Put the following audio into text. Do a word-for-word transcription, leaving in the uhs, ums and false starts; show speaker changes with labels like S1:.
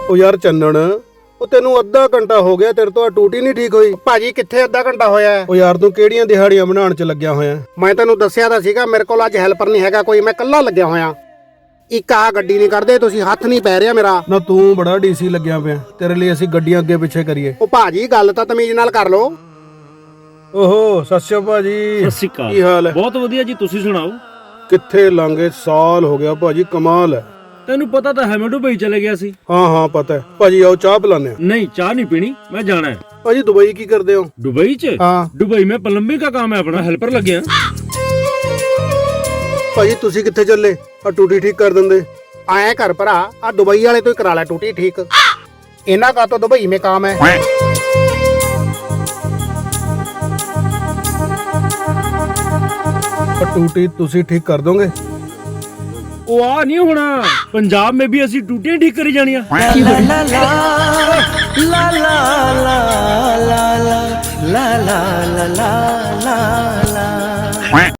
S1: ਉਹ ਯਾਰ ਚੰਨਣ, ਉਹ ਤੈਨੂੰ ਅੱਧਾ ਘੰਟਾ ਹੋ ਗਿਆ ਤੇਰੇ ਤੋਂ ਆ ਟੂਟੀ ਨਹੀਂ ਠੀਕ ਹੋਈ।
S2: ਭਾਜੀ ਕਿੱਥੇ ਅੱਧਾ ਘੰਟਾ ਹੋਇਆ?
S1: ਉਹ ਯਾਰ ਤੂੰ ਕਿਹੜੀਆਂ ਦਿਹਾੜੀਆਂ ਬਣਾਉਣ ਚ ਲੱਗਿਆ ਹੋਇਆ?
S2: ਮੈਂ ਤੈਨੂੰ ਦੱਸਿਆ ਤਾਂ ਸੀਗਾ ਮੇਰੇ ਕੋਲ ਅੱਜ ਹੈਲਪਰ ਨਹੀਂ ਹੈਗਾ ਕੋਈ, ਮੈਂ ਇਕੱਲਾ ਲੱਗਿਆ ਹੋਇਆ। ਇੱਕ ਆ ਗੱਡੀ ਨਹੀਂ ਕਰਦੇ ਤੁਸੀਂ, ਹੱਥ ਨਹੀਂ ਪੈ ਰਿਹਾ ਮੇਰਾ।
S1: ਨਾ ਤੂੰ ਬੜਾ ਡੀਸੀ ਲੱਗਿਆ ਪਿਆ, ਤੇਰੇ ਲਈ ਅਸੀਂ ਗੱਡੀਆਂ ਅੱਗੇ ਪਿੱਛੇ ਕਰੀਏ।
S2: ਉਹ ਭਾਜੀ ਗੱਲ ਤਾਂ ਤਮੀਜ਼ ਨਾਲ ਕਰ ਲੋ।
S1: ਓਹੋ ਸਤਿ ਸ਼੍ਰੀ ਅਕਾਲ ਭਾਜੀ।
S3: ਸਤਿ ਸ਼੍ਰੀ ਅਕਾਲ।
S1: ਕੀ ਹਾਲ ਹੈ?
S3: ਬਹੁਤ ਵਧੀਆ ਜੀ, ਤੁਸੀਂ ਸੁਣਾਓ?
S1: ਕਿੱਥੇ ਲੰਘੇ ਸਾਲ ਹੋ ਗਿਆ ਭਾਜੀ, ਕਮਾਲ ਹੈ।
S3: ਤੈਨੂੰ ਪਤਾ ਤਾਂ ਹੈ ਮੈਂ ਦੁਬਈ ਚਲੇ ਗਿਆ ਸੀ।
S1: ਹਾਂ ਹਾਂ ਪਤਾ ਹੈ ਭਾਜੀ, ਆਓ ਚਾਹ ਪਿਲਾਨੇ ਆ।
S3: ਨਹੀਂ ਚਾਹ ਨਹੀਂ ਪੀਣੀ, ਮੈਂ ਜਾਣਾ ਹੈ।
S1: ਭਾਜੀ ਦੁਬਈ ਕੀ ਕਰਦੇ ਹੋ?
S3: दुबई च?
S1: ਹਾਂ
S3: दुबई में प्लम्बिंग का काम है अपना, हेल्पर लग गया।
S1: ਭਾਜੀ ਤੁਸੀਂ ਕਿੱਥੇ ਚੱਲੇ? ਆ ਟੂਟੀ ਠੀਕ ਕਰ ਦਿੰਦੇ।
S2: ਆਇਆ ਘਰ ਭਰਾ, ਆ ਦੁਬਈ ਵਾਲੇ ਤੋਂ ਹੀ ਕਰਾ ਲੈ ਟੂਟੀ ਠੀਕ। ਇਹਨਾਂ ਦਾ ਤਾਂ ਦੁਬਈ में काम है।
S1: ਆ ਟੂਟੀ ਤੁਸੀਂ ਠੀਕ ਕਰ ਦੋਗੇ?
S3: ਉਹ ਆ ਨਹੀਂ ਹੋਣਾ, ਪੰਜਾਬ में भी ਅਸੀਂ ਟੂਟੀਆਂ ਠੀਕ ਕਰੀ ਜਾਣੀਆਂ।
S4: La la la la la la la la la la la la la la